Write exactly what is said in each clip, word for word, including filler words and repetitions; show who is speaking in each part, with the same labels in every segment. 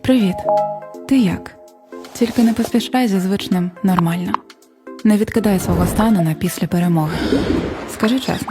Speaker 1: Привіт. Ти як? Тільки не поспішай зі звичним нормально. Не відкидай свого стану на після перемоги. Скажи чесно.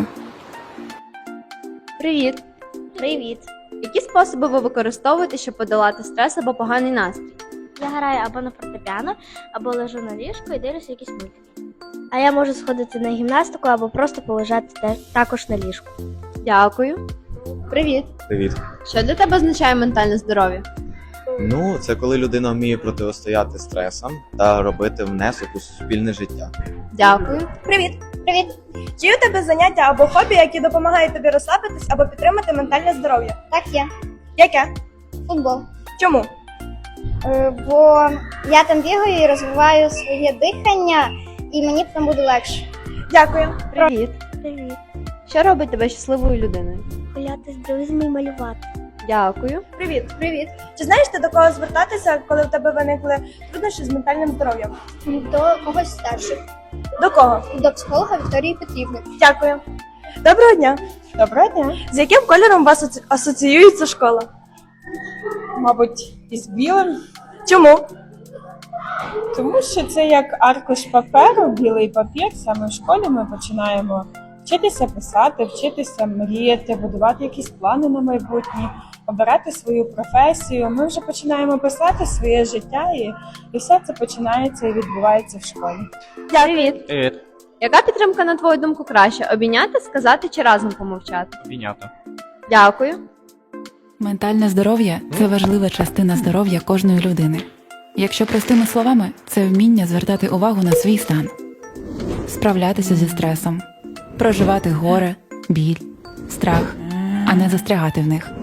Speaker 2: Привіт!
Speaker 3: Привіт!
Speaker 2: Які способи ви використовуєте, щоб подолати стрес або поганий настрій?
Speaker 3: Я граю або на фортепіано, або лежу на ліжку і дивлюся якісь мультики. А я можу сходити на гімнастику або просто полежати те- також на ліжку.
Speaker 2: Дякую. Привіт!
Speaker 4: Привіт.
Speaker 2: Що для тебе означає ментальне здоров'я?
Speaker 4: Ну, це коли людина вміє протистояти стресам та робити внесок у суспільне життя.
Speaker 2: Дякую.
Speaker 5: Привіт! Привіт! Чи є у тебе заняття або хобі, які допомагають тобі розслабитись або підтримати ментальне здоров'я?
Speaker 6: Так, є.
Speaker 5: Яке?
Speaker 6: Футбол.
Speaker 5: Чому?
Speaker 6: Е, Бо я там бігаю і розвиваю своє дихання, і мені там буде легше.
Speaker 5: Дякую.
Speaker 2: Привіт.
Speaker 3: Привіт!
Speaker 2: Що робить тебе щасливою людиною?
Speaker 3: Гуляти з друзями і малювати.
Speaker 2: Дякую.
Speaker 5: Привіт. Привіт. Чи знаєш ти до кого звертатися, коли в тебе виникли труднощі з ментальним здоров'ям?
Speaker 6: До когось старших.
Speaker 5: До кого?
Speaker 6: До психолога Вікторії Петрівни.
Speaker 5: Дякую. Доброго дня. Доброго дня. З яким кольором у вас асоці- асоціюється школа?
Speaker 7: Мабуть, із білим,
Speaker 5: Чому?
Speaker 7: тому що це як аркуш паперу, білий папір. Саме в школі ми починаємо вчитися писати, вчитися мріяти, будувати якісь плани на майбутнє, обирати свою професію. Ми вже починаємо писати своє життя, і, і все це починається і відбувається в школі.
Speaker 2: Привіт.
Speaker 8: Привіт.
Speaker 2: Яка підтримка, на твою думку, краще? Обійняти, сказати чи разом помовчати?
Speaker 8: Обійняти.
Speaker 2: Дякую.
Speaker 1: Ментальне здоров'я – це важлива частина здоров'я кожної людини. Якщо простими словами, це вміння звертати увагу на свій стан, справлятися зі стресом, проживати горе, біль, страх, а не застрягати в них.